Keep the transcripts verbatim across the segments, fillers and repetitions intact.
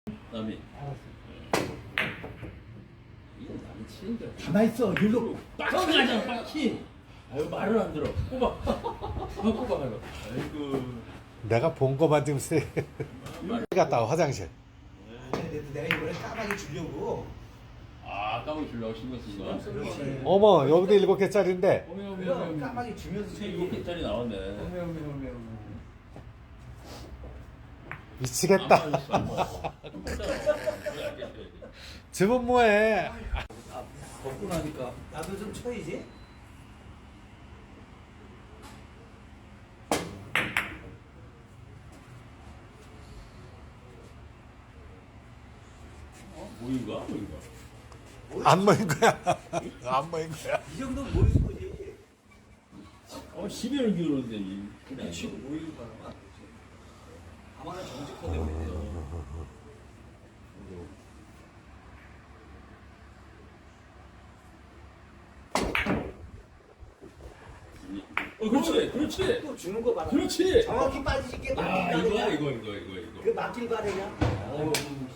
남이. 알았어. 이건 남이 치는데. 가만 있어. 일로. 빡치 하잖아, 빡치. 아유 말을 안 들어. 꼽아. 꼽아 가려. 아이고. 내가 본 거만 지금 세. 갔다 와 화장실. 그래도 내가 이번에 까마귀 주려고. 아 까먹 주려고 신경 쓴 거야? 그렇지. 어머 여기도 일곱 개짜리인데. 어메 어메 그럼 어메. 까마귀 주면서 세 일곱 개짜리 나왔네. 어메 어메 어메 어메. 미치겠다. 집은 뭐해? 먹고 나니까 나도 좀 쳐야지. 모인가? 모인가? 안 모인 거야. 안 모인 거야. 이 정도 모이는 거지. 어 십여를 기울었는데 이. 그렇지. 모이는 거라면. 아마는 정직하게 모이는 어 그렇지 그렇지 또 주는 거 봐라. 그렇지. 정확히 빠지게 야 맞길 이거야 바래냐? 이거 이거 이거 이거. 그 맞길 바래냐? 어.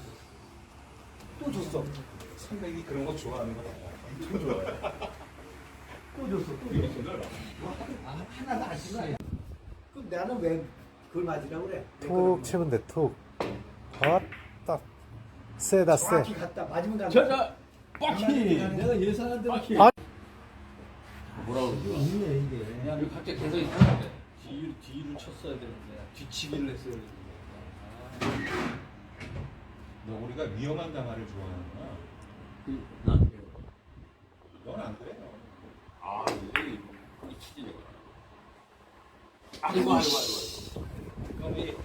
또 줬어. 선배이 그런 거 좋아하는 거야. 엄청 좋아해. 또 줬어. 또 이거 줬어. 정말. 아, 하나도 안 쓰나? 그럼 나는 왜 그걸 맞으라고 그래? 왜 툭 그러는 치면 돼 툭. 아따 세다 거야? 세. 정확히 갔다 맞으면 간다. 자자 빡치. 내가 예상한 대로 빡치. 아. 뭐라고 그러지? 있네 이게. 그냥 이거 각자 개성이 있는데. 뒤로 뒤로 쳤어야 되는데 뒤치기를 했어야 되는데. 너 우리가 위험한 담화를 좋아하는구나. 그 나한테. 넌 안 그래? 아 이게 거기 치지 내가. 아이고 아이고 아이고. 형이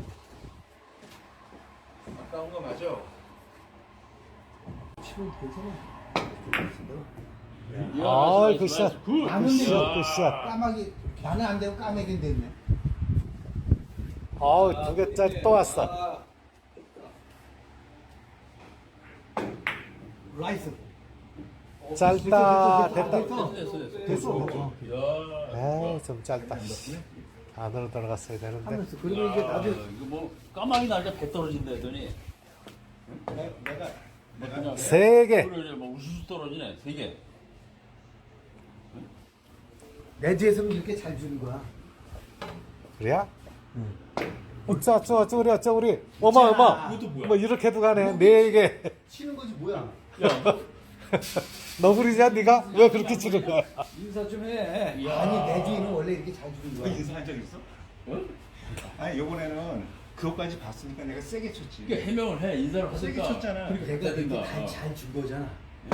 아까운 거 맞아? 치면 괜찮아. 아이 굿샷. 굿. 나는 굿샷 이거 굿샷. 까마귀 나는 안 되고 까마귀는 됐네. 아우 두 개짜리 또 왔어. 라이스. 짧다 됐다. 됐어. 됐어 됐어. 됐어. 어. 야. 에이 좀 짧다. 안으로 들어갔어야 되는데. 하면서 그리고 이제 야, 나중에 이거 뭐 까마귀 날짜 배 떨어진다 했더니 내- 내가 뭐 내가 그냥 세 개. 그래 뭐 우수수 떨어지네 세 개. 내 뒤에서는 이렇게 잘 주는 거야. 그래야? 어쩌 어쩌 어쩌 우리 어쩌 우리 어마 어마. 이것도 뭐야? 뭐 이렇게도 가네. 네 개. 치는 거지 뭐야? 야, 너구리냐 네가? 왜 그렇게 치는 거야? 인사 좀 해. 야. 아니 내 뒤에는 원래 이렇게 잘 주는 너 거야. 인사한 적 있어? 어? 아니 요번에는 그것까지 봤으니까 내가 세게 쳤지. 그러니까 해명을 해 인사를 세게 하니까. 쳤잖아. 그러니까 내가 그렇게 이렇게 하든가. 잘준 거잖아.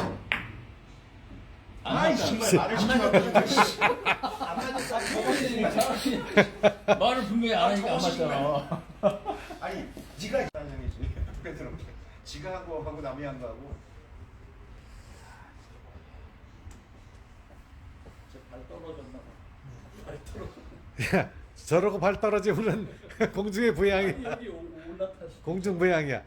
안 아이 맞잖아. 정말 말을 시켜. 안 맞았어. 차라리 말을 분명히 안 하니까 안 맞잖아. 아니 네가 장이지. 그래서 지가 한 거 하고 남이 한 거 하고. 발 떨어졌나 봐. 발 떨어졌. 야, 저러고 발 떨어지면은 공중의 부양이야. 여기 올라타시. 공중 부양이야.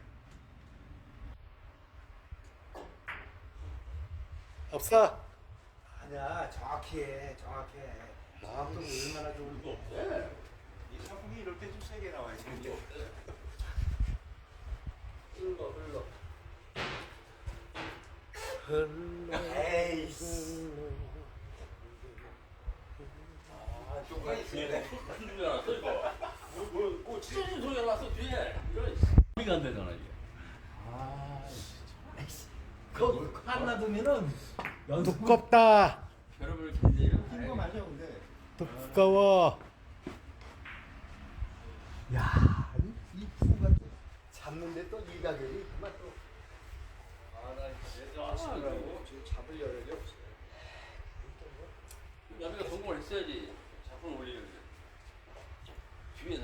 없어. 아니야 정확히 해. 정확히 해. 정확도가 얼마나 좋은 거. 이 상품이 이럴 때 좀 세게 나와야지. 흘러 흘러. 에이씨. 아, 쪽까지 뒤에 큰 소리 났어 이거. 뭐, 뭐, 뭐 찢어진 소리가 났어 뒤에. 이런 소리가 안 되잖아 이게. 아, 그거 하나 두면은 연습. 두껍다. 여러분을 굉장히 거 맞아 근데. 두꺼워. 야, 이, 이 푸가 잡는데 또 일가견이 그만 또. 아나 진짜 아시더라고. 지금 잡을 여력이 없어. 야매가 성공을 했어야지 작품 올리는데 뒤에서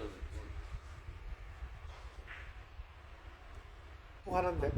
또 하는데.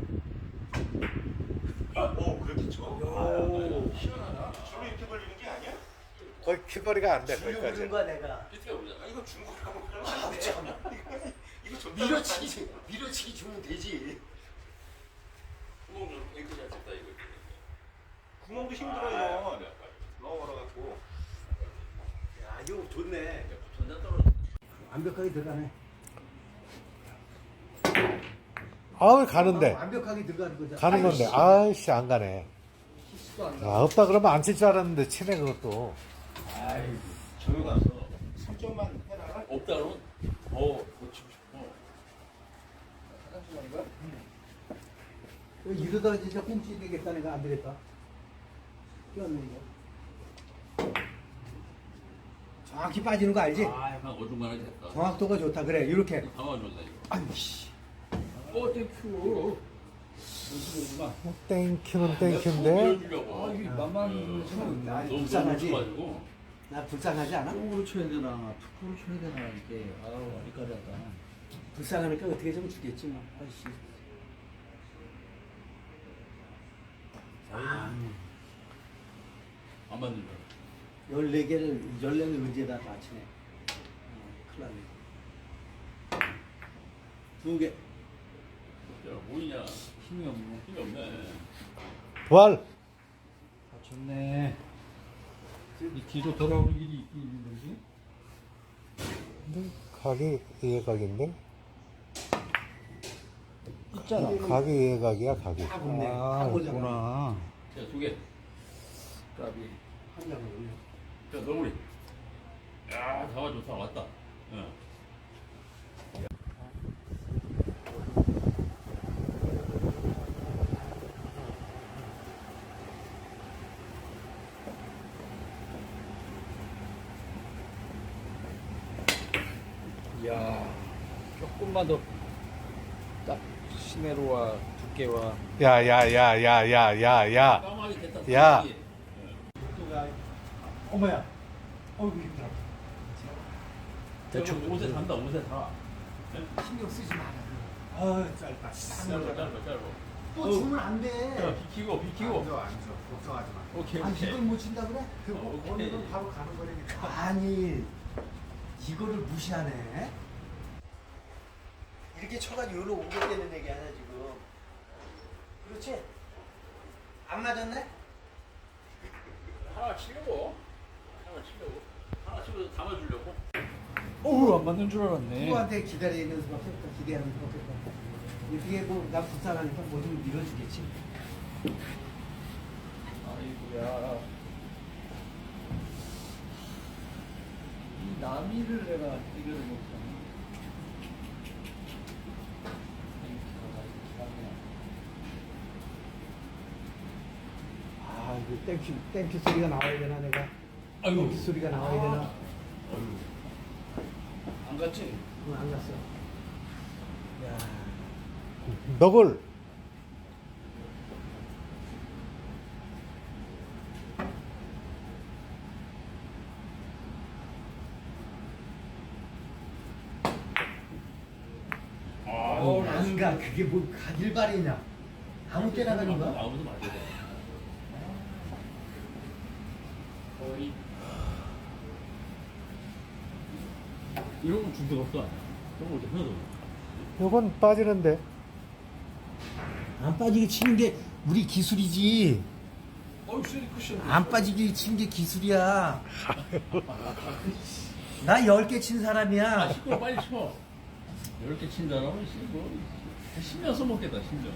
오 그렇게 쳐? 오. 시원하다. 줄로 이렇게 벌리는 게 아니야? 거의 키거리가 안 돼. 주려고 거기까지. 그런 거야 내가. 밑에 보자. 아 이거 준 거라고 그러면 안 되잖아. 이거 이거 줬다. 밀어치기 밀어치기 주면 되지. 구멍 좀 앵크 잘 쳤다 이거. 구멍도 힘들어요. 너무 멀어갖고. 야, 이거 좋네. 전자 떨어져. 완벽하게 들어가네. 아우 가는데 완벽하게 들어가는 거잖아. 가는 건데 아이씨 안 가네. 키스도 안 아, 나. 없다 그러면 안 칠 줄 알았는데 치네 그것도. 아이 저기 가서 설정만 해라. 없다 그러면 더 고치고 싶어. 이러다가 진짜 꽁치 되겠다. 내가 안 되겠다. 끼웠는 거. 정확히 빠지는 거 알지? 아 약간 어중간하게 됐다. 정확도가 좋다. 그래, 이렇게. 당황해줬다 이거. 아이씨. 어 땡큐. 뭐 땡큐는 땡큐인데. 밀어주려고. 아, 이게 만만한 참 나 너무 불쌍하지? 너무 나 불쌍하지 않아? 쪽으로 쳐야 되나, 툭으로 쳐야 되나 이게 아우 어리까리하다. 불쌍하니까 어떻게 좀 주겠지 뭐. 아이씨. 안 맞는 거. 열네 개를 열네 개 의지에다 맞추네. 어, 큰일 났네. 두 개. 야 뭐이냐. 힘이 없네. 힘이 없네. 부활. 다쳤네. 이 뒤로 돌아오는 길이 있긴 있는 거지? 근데 각이 예각인데. 있잖아. 각이 예각이야 각이. 딱 없네. 아, 딱 오잖아. 있구나. 자두 개. 까비. 한 장을 올려. 자 너구리. 야 잡아 좋다 왔다. 응. 이야, 조금만 더 딱 시내로와 두께와 야야야야야야야. 까마귀 됐다. 야. 까마귀. 어머야. 어이구 힘들어. 대충 옷에 단다 옷에 다. 신경 쓰지 마라. 아 짧다. 짧아 짧아 짧아. 또 주면 안 야 돼. 비키고 비키고. 앉아 앉아. 걱정하지 마. 오케이 아 오케이. 이걸 못 친다 그래? 어, 오케이. 오늘은 바로 가는 거니까. 아니 이거를 무시하네. 이렇게 쳐가지고 여기로 오겠다는 얘기 아니야 지금. 그렇지? 안 맞았네? 하나 치려고. 하나 치려고. 하나 치면서 담아주려고. 어우 안 맞는 줄 알았네. 누구한테 기다리는 수밖에 없다. 기대하는 수밖에 없다. 이게 뭐난 불쌍하니까 뭐 좀 밀어주겠지. 아이고야. 이 나미를 내가 이겨를 못하네. 아 이거 땡큐 땡큐 소리가 나와야 되나 내가. 아이고. 땡큐 소리가 나와야 되나. 안 갔지? 응, 안 갔어. 야. 너굴. 어, 안 가. 그게 뭐 가길 바래냐. 아무 때나 가는 거야? 아무도 맞아야 돼. 거의 이런 건 준비가 없어. 이런 거 하나도 없어. 요건 빠지는데. 안 빠지게 치는 게 우리 기술이지. 어우 쉐리 쿠션. 안 빠지게 치는 게 기술이야. 나 열 개 친 아, 사람이야. 시끄러 빨리 쳐. 이렇게 친다라면 씨, 뭐 신경 써먹겠다 신경.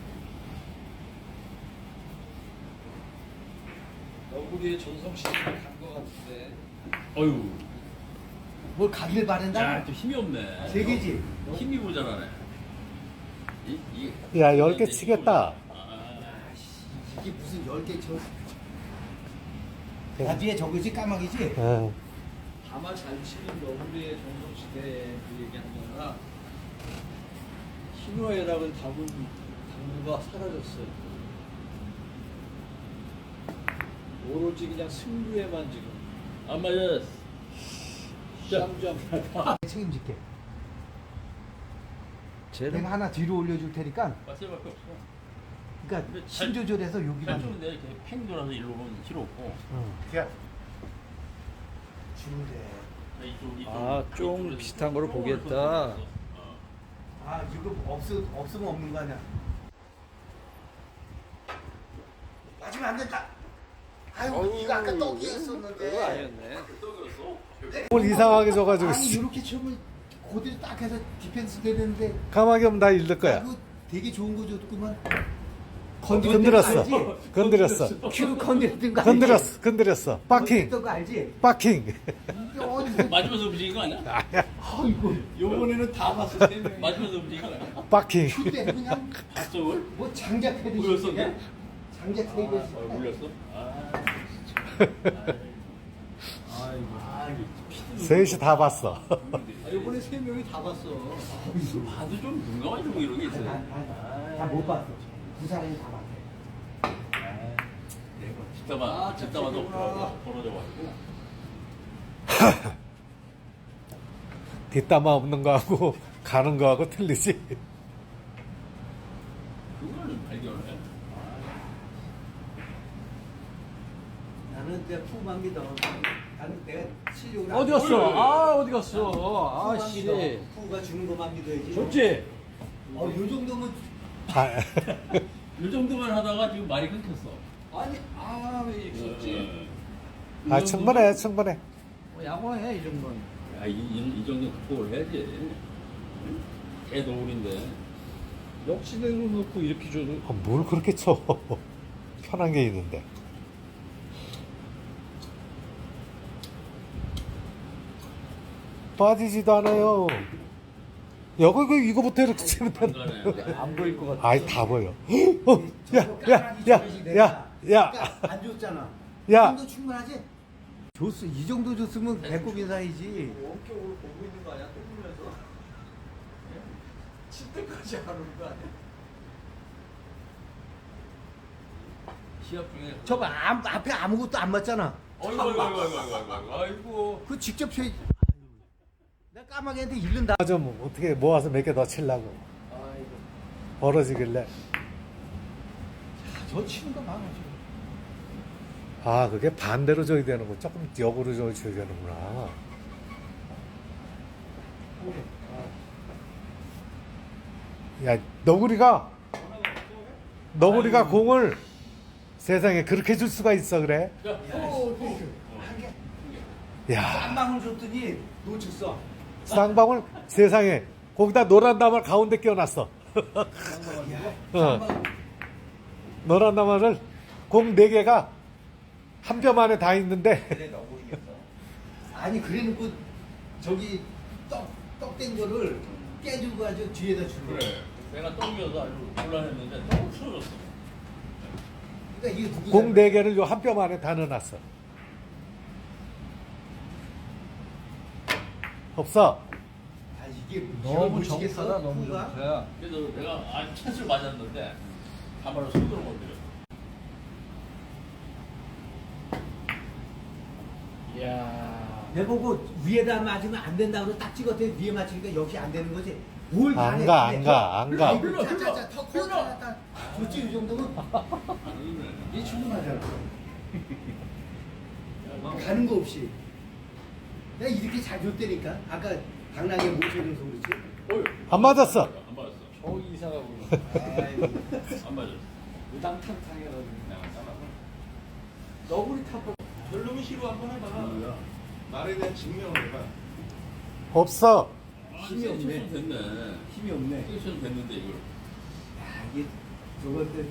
너구리의 전성 시대가 간것 같은데. 어유. 뭘 가길 바란다? 야, 또 힘이 없네. 세 개지? 힘이 모자라네. 이, 이, 야, 열개 이게 치겠다. 아, 이게 무슨 열 개 쳐. 나중에 저거지 까마귀지? 응. 다만 잘 치는 너구리의 전성 시대에 그 얘기하는 거나 신호애락은 답은 당부가 사라졌어요. 오로지 그냥 승부에만 지금 안 맞아. 쌈장. 책임질게. 쟤는 내가 하나 뒤로 올려줄 테니까. 빠셀밖에 없어. 그러니까 근데 잘- 신조절해서 잘 여기만 좀 내가 이렇게 팽 돌아서 일로 오면 필요 없고. 응. 주면 돼. 이쪽, 이쪽, 아, 좀 이쪽에서 비슷한 거를 조금을 보겠다. 더 어. 아 이거 없어 없으면 없는 거 아니야. 맞으면 안 된다. 아이고 이거 아까 그거 떡이었었는데. 아니었네. 떡이었어? 뭘 이상하게 줘가지고. 아니 씨. 이렇게 치면 고대로 딱 해서 디펜스 되는데. 까마귀 하면 나 잃을 거야. 그 되게 좋은 거 줬구만. 건드렸어. 알지? 건드렸어. 큐 건드렸던 거 알지? 건드렸어. 건드렸어. 빠킹. 건드렸던 거 알지? 빠킹. 이게 어디서 맞으면서 움직인 거 아니야? 아이고 요번에는 다 봤어. 세 명이. 맞으면서 움직인 거 아니야? 빠킹. 그때 그냥 봤어 그걸? 뭐 장작해듯이 물렸어, 그냥 장작 아, 해듯이 아, 물렸어? 아, 아이고. 아, 이거 셋이 다 봤어. 아, 요번에 세 명이 다 봤어. 봐도 좀 눈감아 좀 이런 게 있어요. 다못 봤어. 두 사람이 다 봤어. 뒷담화, 아, 뒷담화도 그렇구나. 벌어져가지고. 뒷담화 없는 거하고 가는 거하고 틀리지. 그걸 발견을 해. 나는 내가 푸만 믿어. 나는 내가 실력을 어디 안 갔어? 믿어. 아, 어디 갔어? 푸만 아씨. 믿어. 푸가 주는 것만 믿어야지. 좋지? 어, 요 정도면 아, 이 정도만 하다가 지금 말이 끊겼어. 아니, 아, 왜 이렇게 좋지? 아 충분해, 충분해. 뭐 야구해, 이 정도는. 야, 이, 이, 이 정도 극복을 해야지. 응? 개 노을인데. 역시대로 놓고 이렇게 줘도. 아, 뭘 그렇게 쳐? 편한 게 있는데. 빠지지도 않아요. 여기 그 이거부터 이렇게 치면 안 되는. 가네. 안 보일 것 같아. 아이 다 보여. 어, 야, 야, 야, 야, 야, 그러니까 안 줬잖아. 야. 이 정도 충분하지? 줬어. 이 정도 줬으면 배꼽 인사이지. 원격으로 보고 있는 거 아니야? 뜯으면서. 칠 때까지 안 오는 거 아니야? 시합 중에. 저 봐, 앞에 아무것도 안 맞잖아. 어이구, 어이구, 어이구, 어이구, 어이구, 어이구. 아이고. 그 직접 쳐. 내가 까마귀 한테 잃는다. 좀 어떻게 모아서 몇 개 더 치려고 아이고. 벌어지길래. 저 치는 거 많아, 지금. 아, 그게 반대로 줘야 되는 거. 조금 역으로 줘야 되는구나. 야, 너구리가 너구리가 공을 세상에 그렇게 줄 수가 있어 그래? 야, 어, 야, 한 방울 줬더니 놓쳤어. 쌍방울 세상에 거기다 노란 나물 가운데 끼워놨어. 어. 노란 나물을 공 네 개가 한 뼘 안에 다 있는데 아니 그래놓고 저기 떡떡된 거를 깨주고 아주 뒤에다 주는 거야. 그래. 내가 똥겨서 아주 곤란했는데 너무 풀어졌어. 그러니까 이게 누구 공 네 개를 요 한 뼘 안에 다 넣어놨어. 없어. 아 이게 너무 이걸 못 치겠어, 정타다, 너무 푸가? 정타야. 그래서 내가 아 찬스를 맞았는데 가만히 손으로 건드려. 이야. 내보고 위에다 맞으면 안 된다고 딱 찍었더니 위에 맞추니까 역시 안 되는 거지. 뭘 안 안 가, 해. 안 가, 안 가. 흘러, 자자자 턱 흘러. 좋지 이 정도면 이 충분하잖아. 가는 거 없이. 내가 이렇게 잘 줬다니까. 아까 당나귀 못 쳐줘서 그렇지. 어이. 안 맞았어. 안 맞았어. 저 이사가 보네. 아이고. 안 맞았어. 우당탕탕해가지고. 내가 따라가. 너구리 타고. 별놈이 시로 한번 해봐. 뭐야? 말에 대한 증명을 해봐. 없어. 힘이 없네. 세션 됐네. 힘이 없네. 세션 됐는데 이걸. 야 이게 저건데.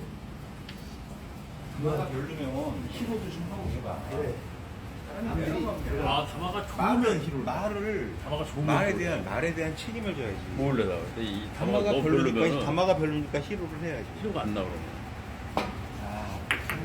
그거가 별로면 히로도 좀 하고 해봐. 그래. 남들이 아 다마가 말을 좋으면 히로. 말을 다마가 좋으면 말에 히로. 대한 말에 대한 책임을 져야지. 몰래다. 이 담화가 너무 별로니까 별로면은 담화가 별로니까 히로를 해야지. 히로가 안 나오네. 아,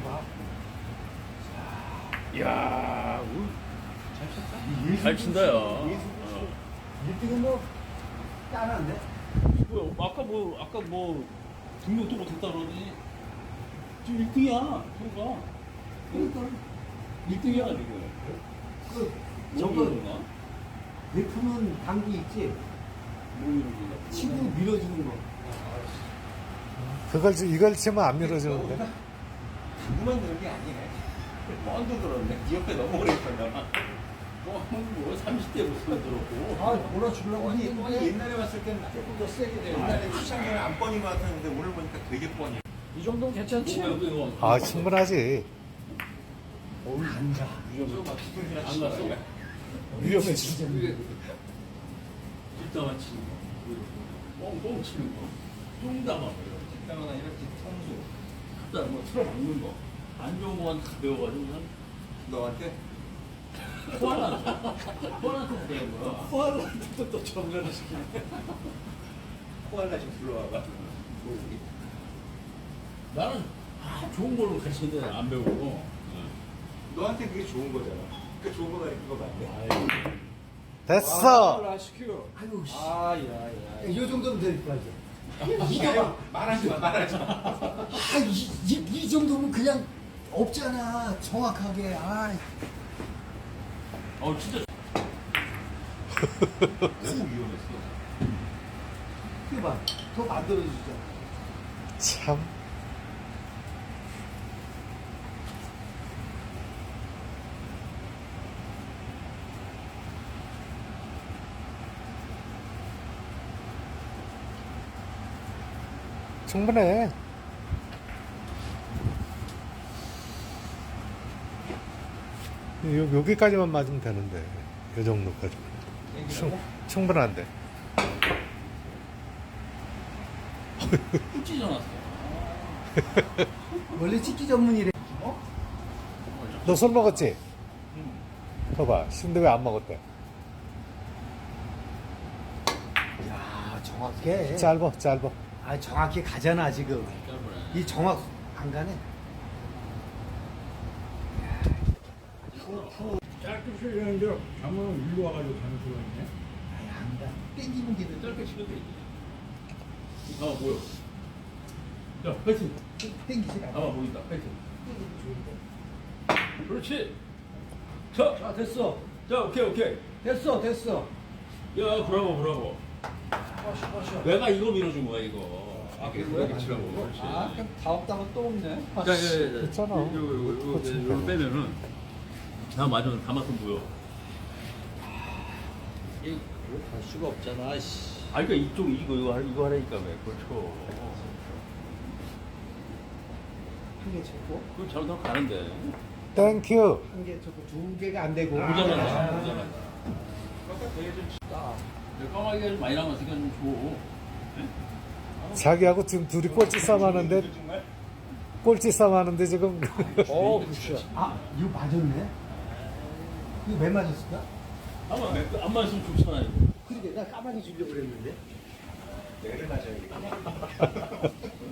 이야, 우- 잘 친다 야. 어. 일 등은 뭐 따라한데? 뭐야? 아까 뭐 아까 뭐 등록도 못했다 그러더니 지금 일 등이야. 히로가. 그러니까 일 등이야 지금. 그 저거 저거 나 베푸는 방기 있지? 뭐 이런 거. 친구 밀어주는 거. 그걸 지- 이걸 치면 안 밀어주는데. 누구만 그런 게 아니네. 뻔도 그렇네. 네 옆에 너무 오래 있었나. 뭐, 뭐 삼십 대 모습 들었고. 아, 몰아주려고 아니, 했는데. 아니 옛날에 봤을 때는 조금 더 세게 돼. 옛날에 시장에는 안 뻔인 것 같았는데 오늘 보니까 되게 뻔해. 이 정도면 괜찮지? 아, 충분하지. 안 가. 안 갔어? 위험해, 진짜. 뒷담화 치는 거. 뻥뻥 치는 거. 뚱담아. 식당은 아니라 뒤통수. 갖다 뭐 틀어박는 거. 안 좋은 거만 다 배워가지고 그냥 너한테? 코알라한테. 코알라한테 배운 거야. 코알라한테도 또 정렬을 시키네. 코알라 좀 불러와봐. 모르기. 나는 아, 좋은 걸로 가르치는데 안 배우고. 너한테 그게 좋은 거잖아. 그 좋은 거 가르치는 거 맞네. 아이, 됐어. 라시큐. 아이고 씨. 아, 야, 야. 이 정도면 될 거지. 이거 말하지 마, 말하지 마. 아, 이, 이, 이 정도면 그냥 없잖아. 정확하게. 아, 어 진짜. 너무 위험했어. 이거 봐. 더 만들어주자. 참. 충분해. 요, 여기까지만 맞으면 되는데, 요 정도까지. 충, 충분한데. 꿀찌 전화왔어. 원래 찍기 전문이래. 너 술 먹었지? 봐봐. 근데 왜 안 먹었대? 야, 정확해. 짧어, 짧어. 아, 정확히 가잖아 지금. 짧으네. 이 정확 안 가네. 짧게 치려는데 장모는 일로 와가지고 가는 수가 있네. 아이, 안 가. 땡기는 게 짧게 치면 돼. 아 뭐야? 야 파이팅. 땡기지 아 않아. 보인다. 파이팅. 좋은데. 그렇지. 자, 자, 됐어. 자 오케이 오케이. 됐어, 됐어. 야 브라보 브라보. 허쉬, 허쉬. 내가 이거 밀어준 거야 이거. 아, 그렇게 치라고. 그렇지. 아, 그럼 다음 달은 또 없네. 자, 야, 야, 야. 됐잖아. 요거 요거 요거 요거 빼면은 나 맞아 다만큼 보여. 이거 갈 수가 없잖아. 씨. 아 그러니까 이쪽 이거 이거 하- 이거 하라니까 왜 그렇죠. 한 개 잡고. 그럼 잘못하면 가는데. 땡큐. 한 개 잡고 두 개가 안 되고. 모자란다. 아, 모자란다. 딱. 까마귀가 좀 많이 남았으니까 좀 줘. 자기하고 지금 둘이 꼴찌 싸움 하는데, 꼴찌 싸움 하는데 지금. 어, 그렇죠. 아, 이거 맞았네. 이거 왜 맞았을까? 아마 안 맞으면 좋잖아 이거. 그러게 나 까마귀 주려고 그랬는데. 내를 맞아야겠다.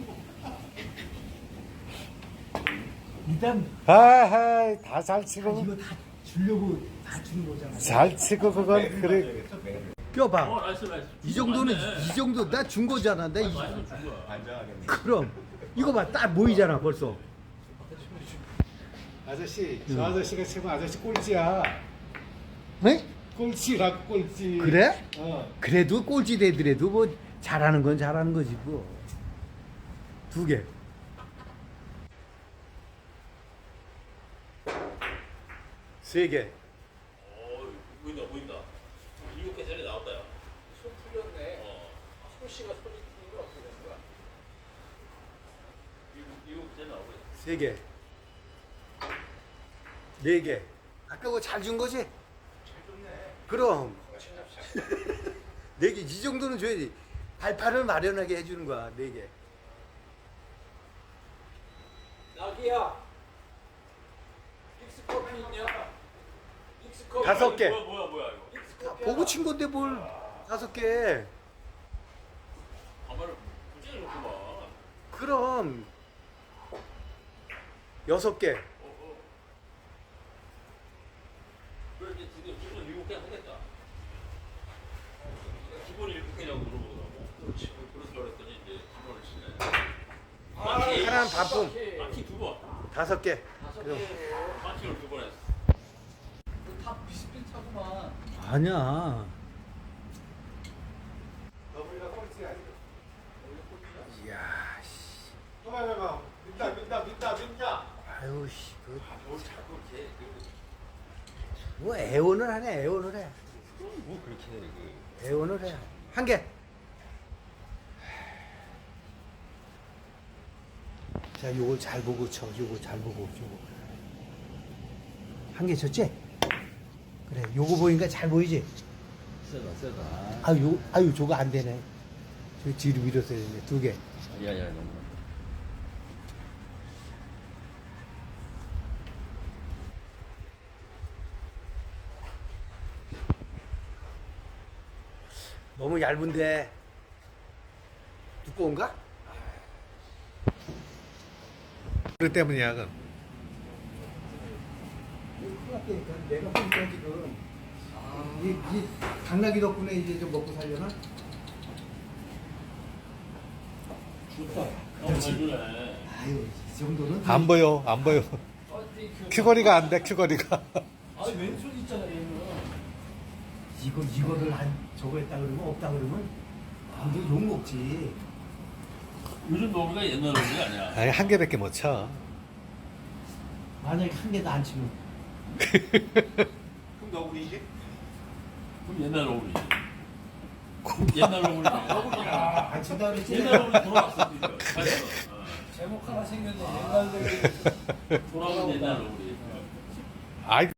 일단 아하이, 다 잘 아, 치고. 이거 다 주려고 다 주는 거잖아. 잘 치고 그건 매를 그래. 맞아야겠어, 매를. 껴봐. 어 나이스 나이스. 이 정도는 맞네. 이 정도 나 준 거잖아. 나 이, 맞으면 준 거야. 안정하겠네. 그럼 이거 봐, 딱 보이잖아 벌써. 아저씨, 저 아저씨가 지금 아저씨 꼴찌야. 네? 꼴찌라고, 꼴찌. 그래? 어. 그래도 꼴찌 되더라도 뭐 잘하는 건 잘하는 거지 뭐. 두 개. 세 개. 어 보인다 보인다. 일곱 개 전에 나왔다 야. 손 풀렸네. 어. 소씨가 손이 풀린 건 어떻게 된 거야? 일곱 일곱 개 전에 나오고 있어. 세 개. 네 개. 아까 그거 잘 준 거지? 잘 줬네. 그럼. 네 개. 이 정도는 줘야지. 발판을 마련하게 해주는 거야. 네 개. 나기야. 믹스커피 있냐? 믹스커피. 다섯 개. 뭐야 뭐야 뭐야 이거. 믹스커피. 보고 친 건데 뭘 다섯 개. 가마를 굳이 놓고만. 그럼. 여섯 개. 그래 이제 지금 기본 일곱 개 하겠다. 기본 일곱 개냐고 물어보더라고. 그렇지. 그래서 그랬더니 이제 기본을 치네. 마키 하나는 반품. 마키 두 번. 다섯 개. 다섯 그럼. 개로. 마키를 두 번 했어. 다 비슷비슷하구만. 아니야. 너블이가 꼴찌 아니고. 이야, 씨. 봐봐, 민다, 민다, 민다, 민다. 아유, 씨. 그, 뭘 자꾸 이렇게 뭐 애원을 하네, 애원을 해. 뭐 그렇게 그. 애원을 해. 한 개. 자, 요걸 잘 보고 쳐. 요거 잘 보고. 요거. 한 개 쳤지? 그래. 요거 보니까 잘 보이지? 세다 세다. 아유, 요, 아유, 저거 안 되네. 저 뒤로 밀어서 해야 돼. 두 개. 야야 너무. 너무 얇은데 두꺼운가? 그 때문이야, 그. 큰일 났다니까. 내가 보니까 지금 이, 이 당나귀 덕분에 이제 좀 먹고 살려나? 좋다. 너무 잘 주네. 아유 이 정도는 안 보여, 안 보여. 큐거리가 안 돼, 큐거리가. 아니 왼손 있잖아 얘는. 이거 이거를 한 저거 했다 그러면 없다 그러면 완전 욕 먹지. 요즘 너구리가 옛날 너구리 아니야. 아니, 한 개밖에 못 쳐. 만약에 한 개도 안 치면 그럼 너구리지? 그럼 옛날 너구리. 옛날 너구리. 너구리야. 안 친다 그랬지. 옛날 너구리 돌아왔어 지금. 맞아. 어. 제목 하나 생겼네. 옛날 노래. 돌아온 옛날 너구리. 아이,